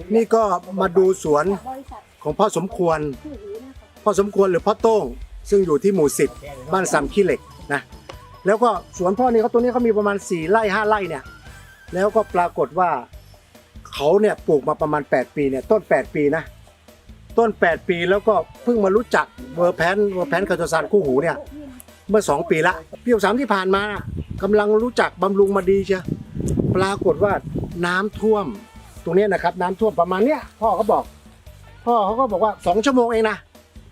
นี่ก็มาดูสวนของพ่อสมควรหรือพ่อโต้งซึ่งอยู่ที่หมู่10บ้านซ้ำขี้เหล็กนะแล้วก็สวนพ่อนี่เขาตัวนี้เขามีประมาณ4 ไร่ 5 ไร่เนี่ยแล้วก็ปรากฏว่าเขาเนี่ยปลูกมาประมาณ8 ปีเนี่ยต้น8 ปีนะต้น8 ปีแล้วก็เพิ่งมารู้จักเวอร์แพนคาโตซานคู่หูเนี่ยเมื่อ2 ปีละปี63ที่ผ่านมากำลังรู้จักบำรุงมาดีเชียวปรากฏว่าน้ำท่วมตรงนี้นะครับน้ำท่วมประมาณเนี้ยพ่อเขาก็บอกว่า2 ชั่วโมงเองนะ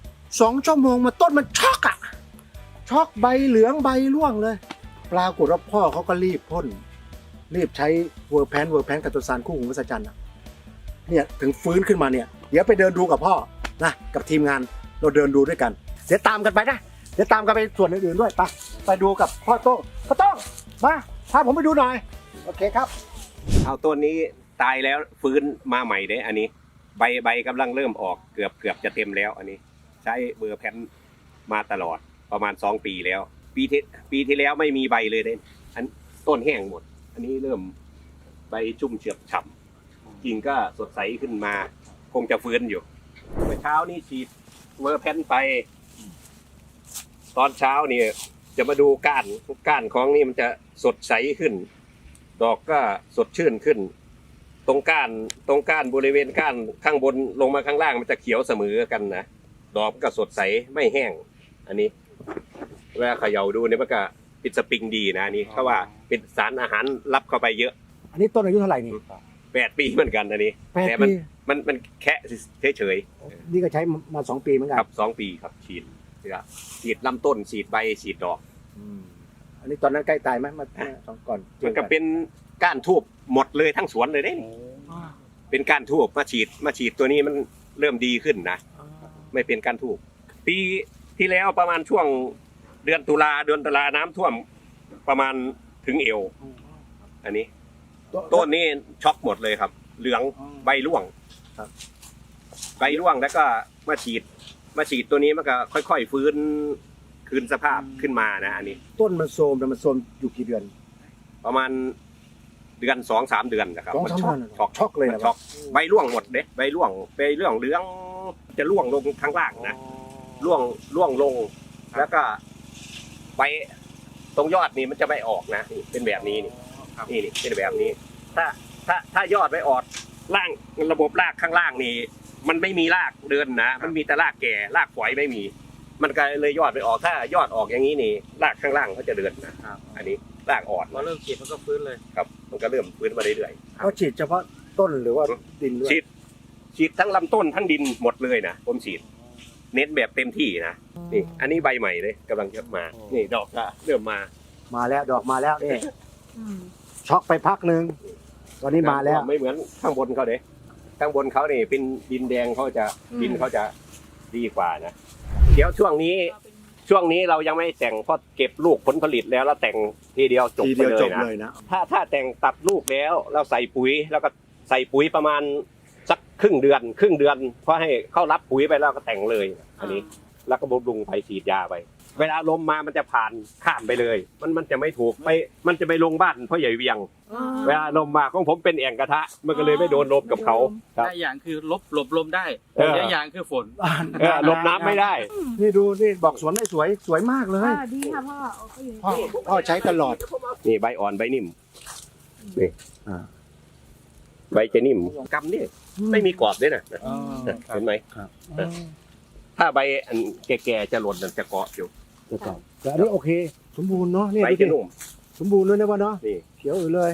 2 ชั่วโมงมาต้นมันช็อกอะช็อกใบเหลืองใบร่วงเลยปรากฏว่าพ่อเขาก็รีบพ่นรีบใช้เวอร์แพนคาโตซานคู่หูมหัศจรรย์เนี่ยถึงฟื้นขึ้นมาเนี่ยเดี๋ยวไปเดินดูกับพ่อนะกับทีมงานเราเดินดูด้วยกันเดี๋ยวตามกันไปนะเดี๋ยวตามกันไปส่วนอื่นๆด้วยไปดูกับพ่อโต้งมาพาผมไปดูหน่อยโอเคครับเอาต้นนี้ตายแล้วฟื้นมาใหม่เด้อันนี้ใบกำลังเริ่มออกเกือบจะเต็มแล้วอันนี้ใช้เบอร์แพนมาตลอดประมาณ2 ปีแล้วปีที่แล้วไม่มีใบเลยเด้อันต้นแห้งหมดอันนี้เริ่มใบชุ่มเฉือบฉ่ำกิ่งก็สดใสขึ้นมาคงจะฟื้นอยู่เมื่อเช้านี่ฉีดเบอร์แพนไปตอนเช้านี่จะมาดูก้านของนี่มันจะสดใสขึ้นดอกก็สดชื่นขึ้นตรงก้านบริเวณก้านข้างบนลงมาข้างล่างมันจะเขียวเสมอกันนะดอกก็สดใสไม่แห้งอันนี้เวลาเขย่าดูเนี่ยมันก็เป็นสปริงดีนะอันนี้เพราะว่าเป็นสารอาหารรับเข้าไปเยอะอันนี้ต้นอายุเท่าไหร่นี่ 8 ปีเหมือนกันอันนี้แต่มันแค่เฉยนี่ก็ใช้มา2 ปีเหมือนกันครับ2 ปีครับฉีดลำต้นฉีดใบฉีดดอกอันนี้ตอนนั้นใกล้ตายไหมมาก่อนมันก็เป็นก้านทูบหมดเลยทั้งสวนเลยเด้เป็นก้านทูบมาฉีดตัวนี้มันเริ่มดีขึ้นนะไม่เป็นก้านทูบปีที่แล้วประมาณช่วงเดือนตุลาน้ำท่วมประมาณถึงเอวอันนี้ต้นนี้ช็อกหมดเลยครับเหลืองใบร่วงใบร่วงแล้วก็มาฉีดตัวนี้มันก็ค่อยๆฟื้นคืนสภาพขึ้นมานะอันนี้ต้นมันโทรมอยู่กี่เดือนประมาณเดือน2-3 เดือนนะครับมันช็อกเลยนะช็อกใบร่วงหมดเด้ใบร่วงเหลืองจะร่วงลงข้างล่างนะร่วงลงแล้วก็ใบตรงยอดนี่มันจะไม่ออกนะนี่เป็นแบบนี้นี่เป็นแบบนี้ถ้ายอดไม่ออกล่างระบบรากข้างล่างนี่มันไม่มีรากเดินนะมันมีแต่รากแก่รากฝอยไม่มีมันก็เลยยอดไม่ออกถ้ายอดออกอย่างนี้นี่รากข้างล่างเขาจะเดินนะอันนี้รากอ่อนพอเริ่มฉีดมันก็ฟื้นเลยครับมันก็เริ่มฟื้นมาเรื่อยๆเขาฉีดเฉพาะต้นหรือว่าดินด้วยฉีดทั้งลำต้นทั้งดินหมดเลยนะผมฉีดเน้นแบบเต็มที่นะนี่อันนี้ใบใหม่เลยกำลังจะมานี่ดอกก็เริ่มมาแล้วดอกมาแล้วนี่ช็อกไปพักนึงตอนนี้มาแล้วไม่เหมือนข้างบนเขาเด้ข้างบนเขานี่เป็นดินแดงดินเขาจะดีกว่านะเดี๋ยวช่วงนี้เรายังไม่แต่งเพราะเก็บลูกผลผลิตแล้วแต่งทีเดียวจบไปเลยนะถ้าแต่งตัดลูกแล้วเราใส่ปุ๋ยแล้วก็ใส่ปุ๋ยประมาณสักครึ่งเดือนเพราะให้เข้ารับปุ๋ยไปแล้วก็แต่งเลยอันนี้แล้วก็บำรุงไปฉีดยาไปเวลาลมมามันจะผ่านข้ามไปเลยมันจะไม่ถูกไปมันจะไปลงบ้านพ่อใหญ่เวียงเวลาลมมาของผมเป็นแอ่งกระทะมันก็เลยไม่โดนลมกับเขาได้อย่างคือหลบลมได้ได้อย่างคือฝนลมน้ำไม่ได้นี่ดูนี่บอกสวนได้สวยมากเลยดีค่ะพ่อใช้ตลอดนี่ใบอ่อนใบนิ่มนี่ใบจะนิ่มกำนี่ไม่มีกรอบด้วยนะเห็นไหมถ้าใบอันแก่ๆจะหล่นจะเกาะอยู่แต่อันนี้โอเคสมบูรณ์เนาะนี่ใบจะนุ่มสมบูรณ์เลยนะวะเนาะเขียวเลย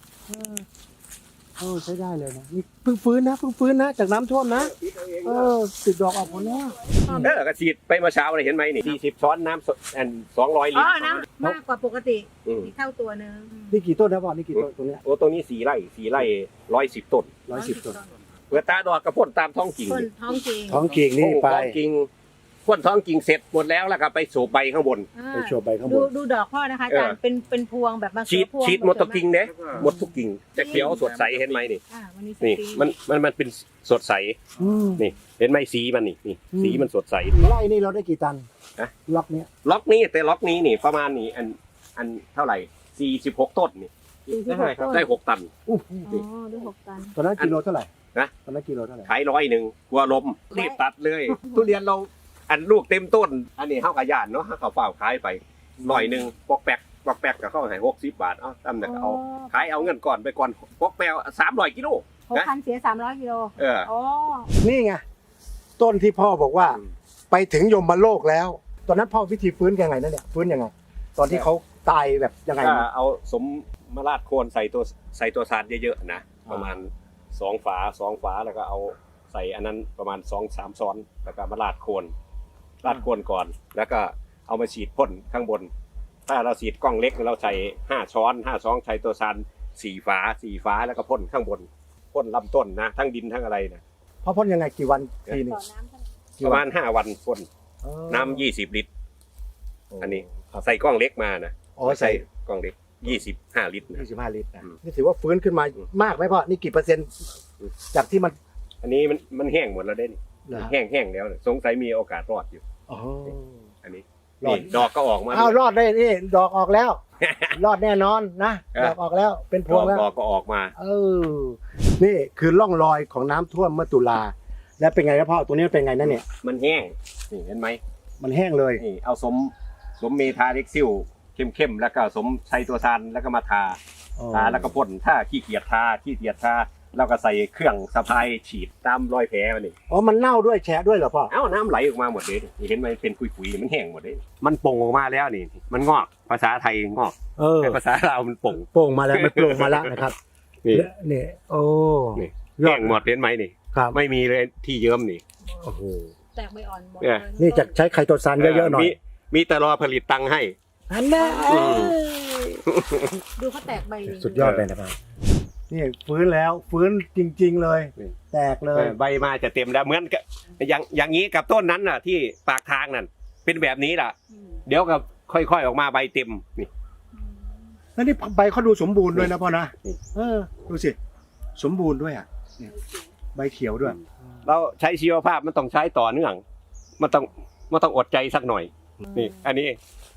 ใช้ได้เลยนะนี่เพิ่งฟื้นนะจากน้ำท่วมนะติดดอกออกหมดแล้วกระฉีดไปเมื่อเช้าเลยเห็นไหมนี่40 ช้อนน้ำ200 ลิตรน้ำมากกว่าปกติเท่าตัวนึงนี่กี่ต้นนะพ่อนี่กี่ต้นตรงนี้โอ้ตรงนี้4 ไร่110 ต้น 110 ต้นเปิดตาดอกกระพ่นตามท้องกิ่งท้องกิ่งนี่ไปพ่นท้องกิ่งเสร็จหมดแล้วก็ไปโฉบใบข้างบนดูดอกพ่อนะคะอาจารย์เป็นพวงแบบมาฉีดหมดทุกกิ่งเนี่ยหมดทุกกิ่งจะเขียวสดใสเห็นไหมนี่มันเป็นสดใสนี่เห็นไหมสีมันนี่สีมันสดใสไร่นี่เราได้กี่ตันล็อกนี้นี่ประมาณนี้อันเท่าไหร่46 ต้นนี่ 46ต้นได้6 ตันอ๋อได้6 ตันตอนนั้นกิโลเท่าไหร่นะตอนนั้นกิโลเท่าไหร่ขาย100กลัวลมรีบตัดเลย ทุเรียนเราอันลูกเต็มต้น อันนี้เฮากะย่านเนาะเฮาก็เฝ้าขายไป100ปอกแป๊กก็เข้าให้60 บาทตำเนี่ยเอาขายเอาเงินก่อนไปก่อนปอกแปว300 กิโล 6,000เสีย300 กิโลเอออ๋อนี่ไงต้นที่พ่อบอกว่า ไปถึงยมโลกแล้ว ตอนนั้นพ่อวิธีฟื้นยังไงนั่นเนี่ยฟื้นยังไง ตอนที่เขาตายแบบยังไงก็นะเอาสมมาราดโคนใส่ตัวสารเยอะๆนะประมาณ2 ฝาแล้วก็เอาใส่อันนั้นประมาณ2-3 ซ้อนแล้วก็มาราดโคนก่อน แล้วก็เอามาฉีดพ่นข้างบน ถ้าเราฉีดกล้องเล็กเราใส่5 ช้อนใช้ตัวสาร4 ฝาแล้วก็พ่นข้างบนพ่นลำต้นนะทั้งดินทั้งอะไรนะพ่อพ่นยังไงกี่วันทีหนึงต่อน้ำเท่าไหร่ประมาณ5 วันพ่นน้ำ20 ลิตร อันนี้ใส่กล้องเล็กมานะอ๋อใส่กล้องเล็ก25 ลิตรนะ 25 ลิตรนะอืมนี่ถือว่าฟื้นขึ้นมามากไหมพ่อนี่กี่เปอร์เซ็นต์จากที่มันอันนี้มันแห้งหมดแล้วเด้นี่เหรอแห้งแล้วเนี่ยสงสัยมีโอกาสรอดอยู่อ๋ออันนี้รอดนี่ดอกก็ออกมาอ้าวรอดได้นี่ดอกออกแล้ว รอดแน่นอนนะเออดอกออกแล้วเป็นพวงแล้วดอกก็ออกมานี่คือร่องรอยของน้ำท่วมเมื่อตุลาแล้วเป็นไงครับพ่อตัวนี้เป็นไงนั่นเนี่ยมันแห้งนี่เห็นไหมมันแห้งเลยนี่เอาสมเมทาเล็กซิลเข้มแล้วก็สมไซโตซานแล้วก็มาทาแล้วก็พ่นถ้าขี้เกียจทาแล้วก็ใส่เครื่องสะพายฉีดตามรอยแผลมันนี่อ๋อมันเน่าด้วยแฉะด้วยเหรอพ่อเอ้าน้ำไหลออกมาหมดเลยนี่เห็นไหมเป็นคุยๆมันแห้งหมดเลยมันป่งออกมาแล้วนี่มันงอกภาษาไทยงอกแต่ภาษาลาวมันป่งโป่งมาแล้วมันโป่งมาแล้วนะครับนี่นี่โอ้นี่ยอแห้ดงหมดเห็นไหมนี่ครับไม่มีเลยที่เยิ้มนี่โอ้โหแตกใบอ่อนหมดเออเลยนี่จะใช้ไคโตซานเยอะๆหน่อยมีแต่รอผลิตตังค์ให้อันนั้นดูเขาแตกใบนี่สุดยอดเลยนะครับนี่ฟื้นแล้วฟื้นจริง ๆเลยนี่แตกเลยใบมาจะเต็มแล้วเหมือนกับอย่างนี้กับต้นนั้นน่ะ ที่ปากทางนั่นเป็นแบบนี้ล่ะอืมเดี๋ยวก็ค่อยๆออกมาใบเต็มนี่แล้วนี่ใบเขาดูสมบูรณ์ด้วยนะพ่อนะนี่ดูสิสมบูรณ์ด้วยอ่ะเนี่ยใบเขียวด้วยเราใช้ชีวภาพมันต้องใช้ต่อเนื่องมันต้องอดใจสักหน่อย นี่ อันนี้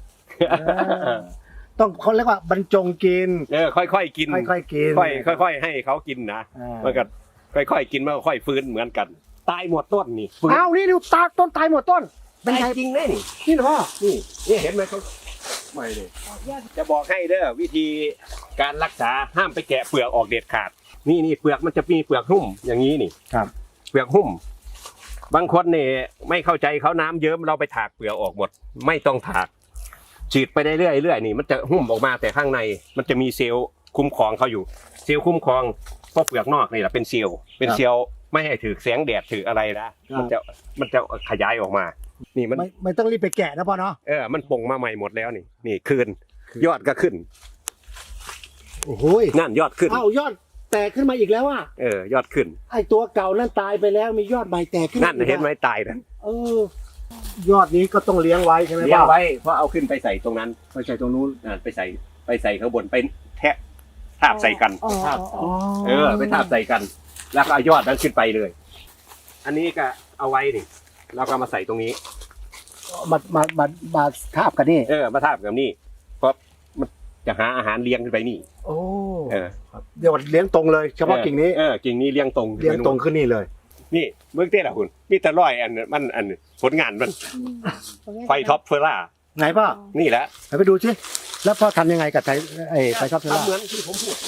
ต้องเขาเรียกว่าบรรจงกินค่อยๆกินค่อยๆกินค่อยๆให้เขากินนะ มันก็ค่อยๆกินมันก็ค่อยฟื้นเหมือนกัน ตายหมดต้นนี่ฟื้นอ้าวนี่ดูตาต้นตายหมดต้น เป็นตายไงจริงเลยนี่นี่เหรอพ่อนี่เห็นไหมเขาไม่เลยออกยอดจะบอกให้เด้อวิธีการรักษาห้ามไปแกะเปลือกออกเด็ดขาด นี่เปลือกมันจะมีเปลือกหุ้มอย่างนี้นี่ครับเปลือกหุ้ม บางคนเนี่ยไม่เข้าใจเขาน้ำเยิ้มเราไปถากเปลือกออกหมด ไม่ต้องถากฉีดไปได้เรื่อยๆนี่มันจะหุ้มออกมาแต่ข้างในมันจะมีเซลล์คุ้มครองเขาอยู่ เซลล์คุ้มครองเพราะเปลือกนอกนี่แหละเป็นเซลล์ไม่ให้ถือแสงแดดถืออะไรนะมันจะขยายออกมา นี่มันไม่ต้องรีบไปแกะนะพ่อเนาะมันป่งมาใหม่หมดแล้วนี่คืนยอดก็ขึ้นโอ้โหนั่นยอดขึ้นอ้าวยอดแตกขึ้นมาอีกแล้วอ่ะยอดขึ้นไอตัวเก่านั่นตายไปแล้วมียอดใหม่แตกขึ้นนั่นอีกเห็นไหมตายนะยอดนี้ก็ต้องเลี้ยงไว้ใช่ไหมเลี้ยงพ่อไว้เพราะเอาขึ้นไปใส่ตรงนั้นไปใส่ตรงนู้นไปใส่ข้างบนไปแทะทาบใส่กันอ๋อครับอ๋อไปทาบใส่กัน แล้วก็เอายอดนั้นขึ้นไปเลย อันนี้ก็เอาไว้นี่เราก็มาใส่ตรงนี้มาทาบกันนี่มาทาบกับนี่เพราะมันจะหาอาหารเลี้ยงขึ้นไปนี่โอ้เออเดี๋ยวเลี้ยงตรงเลย เฉพาะกิ่งนี้กิ่งนี้เลี้ยงตรงเลี้ยงตรงขึ้นนี่เลยนี่เบื้องต้นละคุณมีแต่ร้อยอันผลงานมันไฟท็อปเฟอร่าไหนพ่อนี่แหละไปดูสิแล้วพ่อทำยังไงกับไฟช็อปเทล่าทำเหมือนที่ผมพูด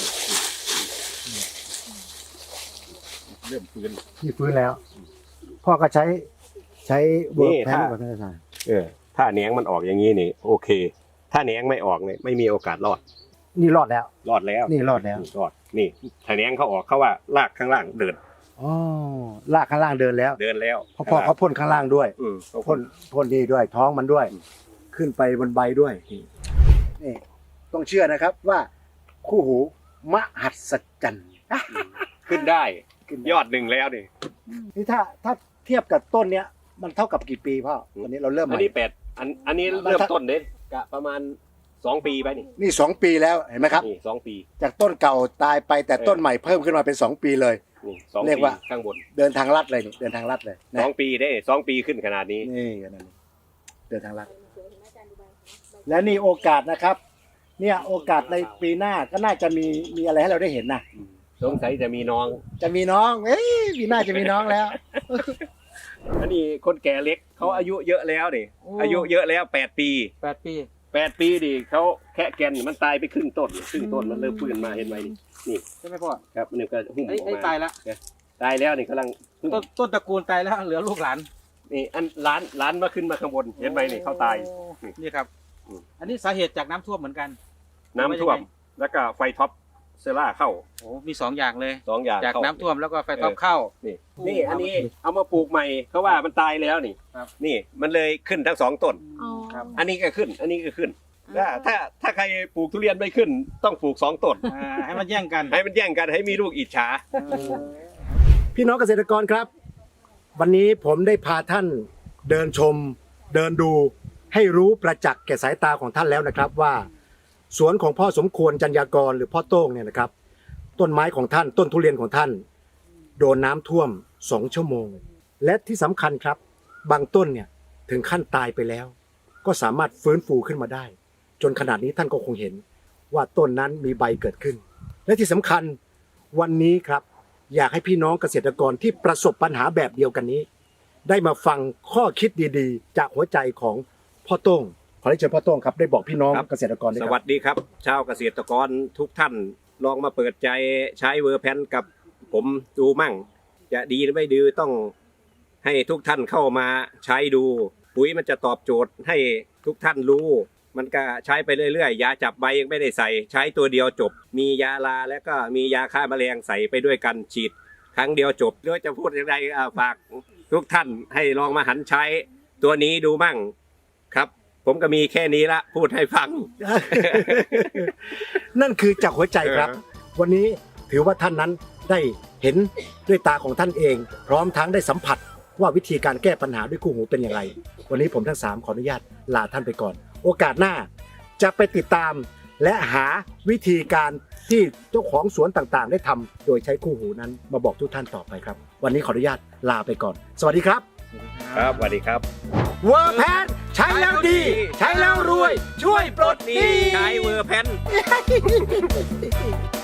เริ่มฟื้นนี่ฟื้นแล้ว พ่อก็ใช้เวิร์กแพนกับท่านอาจารย์ถ้าแหนงมันออกอย่างนี้นี่โอเค ถ้าแหนงไม่ออกเนี่ยไม่มีโอกาสรอดนี่รอดแล้วรอดแล้วนี่รอดแล้วรอดนี่ถ้าแหนงเขาออกเขาว่ารากข้างล่างเดินอ๋อลากข้างล่างเดินแล้วเดินแล้วเพราะพ่อเขาพ่นข้างล่างด้วยเขาพ่นนี่ด้วย ท้องมันด้วย ขึ้นไปบนใบด้วยนี่ต้องเชื่อนะครับว่าคู่หูมหัศจรรย์ขึ้นได้ยอดหนึ่งแล้วนี่นี่ถ้าเทียบกับต้นเนี้ยมันเท่ากับกี่ปีพ่อตอนนี้เราเริ่มอันใหม่นี้อันนี้เริ่มต้นเด็ดกะประมาณ2 ปีไปนี่นี่2 ปีแล้วเห็นไหมครับนี่2 ปีจากต้นเก่าตายไปแต่ต้นใหม่เพิ่มขึ้นมาเป็น2 ปีเลยนี่2 เรียกปีว่าข้างบนเดินทางลัดเลยนี่เดินทางลัดเลยนะ 2 ปีได้2 ปีขึ้นขนาดนี้นี่อันนั้นเดินทางลัดและนี่โอกาสนะครับเนี่ยโอกาสในปีหน้าก็น่าจะมีอะไรให้เราได้เห็นนะสงสัยจะมีน้องจะมีน้องปีหน้าจะมีน้องแล้วอันนี้คนแก่เล็กเขาอายุเยอะแล้วนี่โอ้อายุเยอะแล้ว8 ปี 8 ปี 8 ปีดิเขาแค่แกนมันตายไปครึ่งต้นมันเริ่มฟื้นมาเห็นไหมนี่ใช่ไหมพ่อครับมันก็หุ้มอไอ้อกไอ้มาตายแล้วตายแล้วนี่กำลังหุ้มต้นตระกูลตายแล้วเหลือลูกหลานนี่อันล้านมาขึ้นมาข้างบนเห็นไหมนี่เขาตายโอ้นี่ครับอืมอันนี้สาเหตุจากน้ำท่วมเหมือนกันน้ำท่วมแล้วก็ไฟท็อปเซล่าเข้าโอ้มี2อย่างเลย 2 อย่างจากเข้น้ำท่วมแล้วก็ไฟท็อปเข้านี่อันนี้เอามาปลูกใหม่เขาว่ามันตายแล้วนี่ครับนี่มันเลยขึ้นทั้ง2 ต้นอ๋อครับอันนี้ก็ขึ้น อันนี้ก็ขึ้นถ้าใครปลูกทุเรียนไม่ขึ้น ต้องปลูก2 ต้นให้มันแย่งกันให้มันแย่งกันให้มีลูกอิจฉาพี่น้องเกษตรกรครับ วันนี้ผมได้พาท่านเดินชม เดินดูให้รู้ประจักษ์แก่สายตาของท่านแล้วนะครับว่า สวนของพ่อสมควรจัญญากรหรือพ่อโต้งเนี่ยนะครับ ต้นไม้ของท่านต้นทุเรียนของท่าน โดนน้ำท่วม2 ชั่วโมง และที่สำคัญครับ บางต้นเนี่ยถึงขั้นตายไปแล้ว ก็สามารถฟื้นฟูขึ้นมาได้ จนขนาดนี้ท่านก็คงเห็นว่าต้นนั้นมีใบเกิดขึ้น และที่สำคัญวันนี้ครับ อยากให้พี่น้องเกษตรกรที่ประสบปัญหาแบบเดียวกันนี้ ได้มาฟังข้อคิดดีๆ จากหัวใจของพ่อโต้งขอให้เชิญพ่อโต้งครับได้บอกพี่น้องครับเกษตรกรด้วยสครับวัสดีครับ ชาวเกษตรกรทุกท่านลองมาเปิดใจใช้เวอร์แพนกับผมดูมั่ง จะดีหรือไม่ดีต้องให้ทุกท่านเข้ามาใช้ดู ปุ๋ยมันจะตอบโจทย์ให้ทุกท่านรู้ มันก็ใช้ไปเรื่อยๆยาจับใบยังไม่ได้ใส่ ใช้ตัวเดียวจบ มียาลาแล้วก็มียาฆ่าแมลงใส่ไปด้วยกันฉีด ครั้งเดียวจบหรือจะพูดอย่างไรฝากทุกท่านให้ลองมาหันใช้ตัวนี้ดูมั่งครับ ผมก็มีแค่นี้ละพูดให้ฟังนั่นคือจากหัวใจครับ วันนี้ถือว่าท่านนั้นได้เห็นด้วยตาของท่านเอง พร้อมทั้งได้สัมผัสว่าวิธีการแก้ปัญหาด้วยคู่หูเป็นอย่างไร วันนี้ผมทั้ง3ขออนุญาตลาท่านไปก่อน โอกาสหน้าจะไปติดตามและหาวิธีการที่เจ้าของสวนต่างๆ ได้ทำโดยใช้คู่หูนั้นมาบอกทุกท่านต่อไปครับ วันนี้ขออนุญาตลาไปก่อน สวัสดีครับครับสวัสดีครับเวอร์แพนใช้แล้วดี ใช้แล้วรวย ช่วยปลดหนี้ใช้เวอร์แพน